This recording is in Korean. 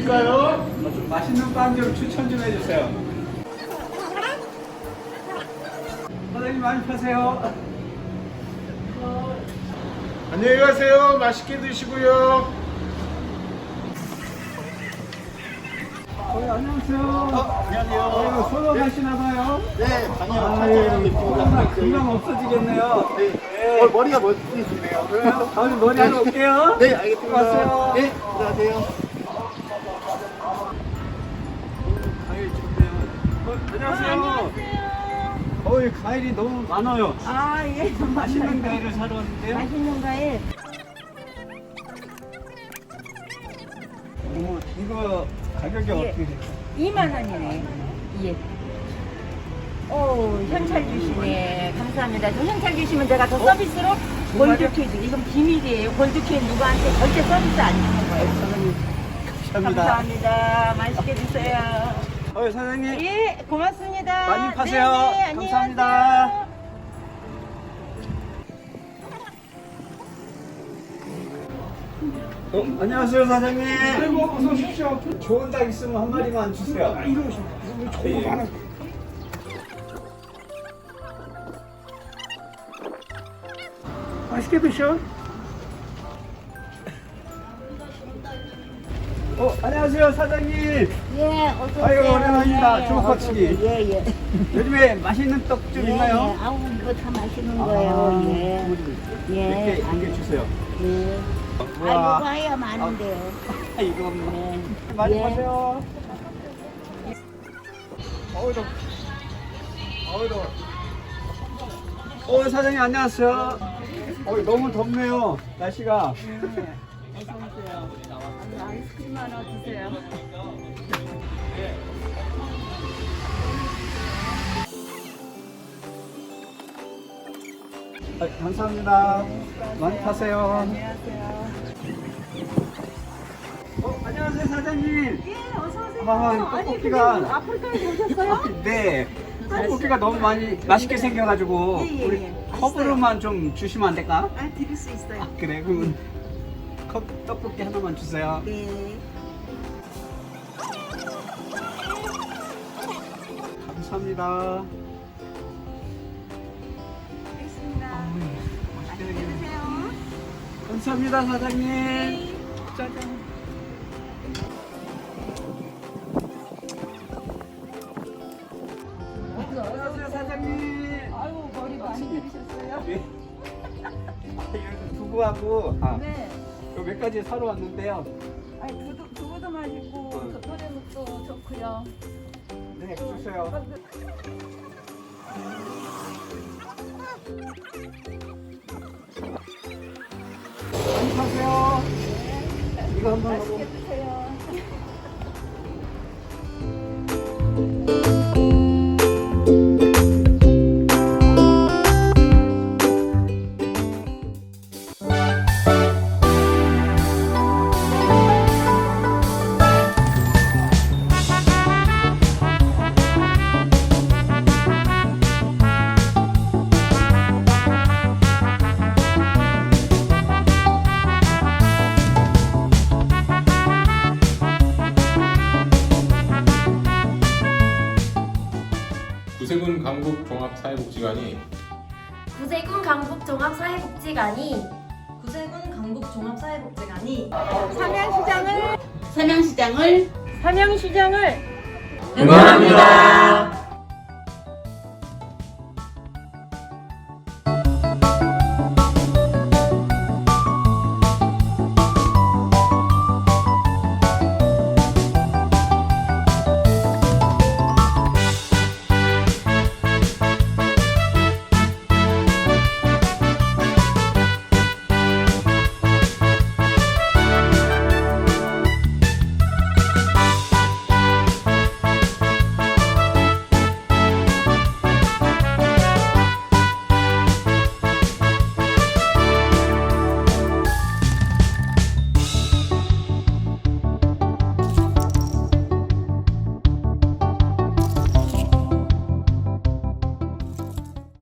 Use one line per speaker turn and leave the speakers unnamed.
드릴까요?
좀 맛있는 빵 좀 추천 좀 해주세요. 사장님 많이 파세요.
안녕히 가세요. 맛있게 드시고요.
안녕하세요.
안녕하세요.
이거 소독 하시나봐요?
네, 아니요.
아유, 금방 없어지겠네요.
네. 머리가 멋지시네요.
그래요? 다음에 머리 하러 올게요.
네, 알겠습니다.
고맙어요.
네, 들어가세요.
과일 좋네요. 안녕하세요. 이 과일이 너무 많아요.
아, 예.
맛있는 과일을 사러 왔는데요.
맛있는 과일.
이거 가격이 어떻게 돼요?
2만 원이네. 예. 오, 현찰 주시네. 감사합니다. 저 현찰 주시면 제가 더 서비스로 골드케이크. 이건 비밀이에요. 골드케이크 누구한테 절대 서비스 안 주는 거예요.
감사합니다.
감사합니다. 맛있게 드세요.
사장님.
예, 고맙습니다.
많이 파세요.
네네,
감사합니다. 안녕하세요, 사장님. 아이고, 어서 오십시오. 좋은 닭 있으면 한 마리만 주세요. 이거 좋은 거 많아. 맛있게 드셔. 안녕하세요, 사장님.
예, 어서 오세요.
아이고, 오랜만입니다.
예,
주먹박치기.
어서 오세요. 예, 예.
요즘에 맛있는 떡 좀
예,
있나요?
예. 아우, 이거 다 맛있는 거예요. 예.
몇
예.
개 주세요.
예.
우와.
아이고, 과야 많은데요.
이거
네.
많이
예.
파세요. 더워. 사장님 안녕하세요. 너무 덥네요. 날씨가.
어서 오세요. 아이스크림 하나 주세요.
감사합니다. 많이 파세요.
안녕하세요.
안녕하세요 사장님.
예, 어서 오세요.
떡볶이가
아프리카에 오셨어요?
네. 떡볶이가 너무 맛있게 생겨가지고
예, 예,
우리
예.
컵으로만 좀 주시면 안 될까?
아, 드릴 수 있어요.
그래 그러면 컵 떡볶이 하나만 주세요.
네.
감사합니다.
알겠습니다.
맛있게
맛있게
생겼네.
드세요.
감사합니다 사장님. 짜잔. 안녕하세요 사장님.
아유, 머리 많이 들으셨어요?
네. 여기 두부하고
네.
몇 가지 사러 왔는데요.
아니, 두부도 맛있고, 도래묵도 좋고요.
네 주세요. 많이 사세요. 이거 한번
맛있게 드세요.
구세군 강북종합사회복지관이
구세군 강북종합사회복지관이
삼양시장을
응원합니다.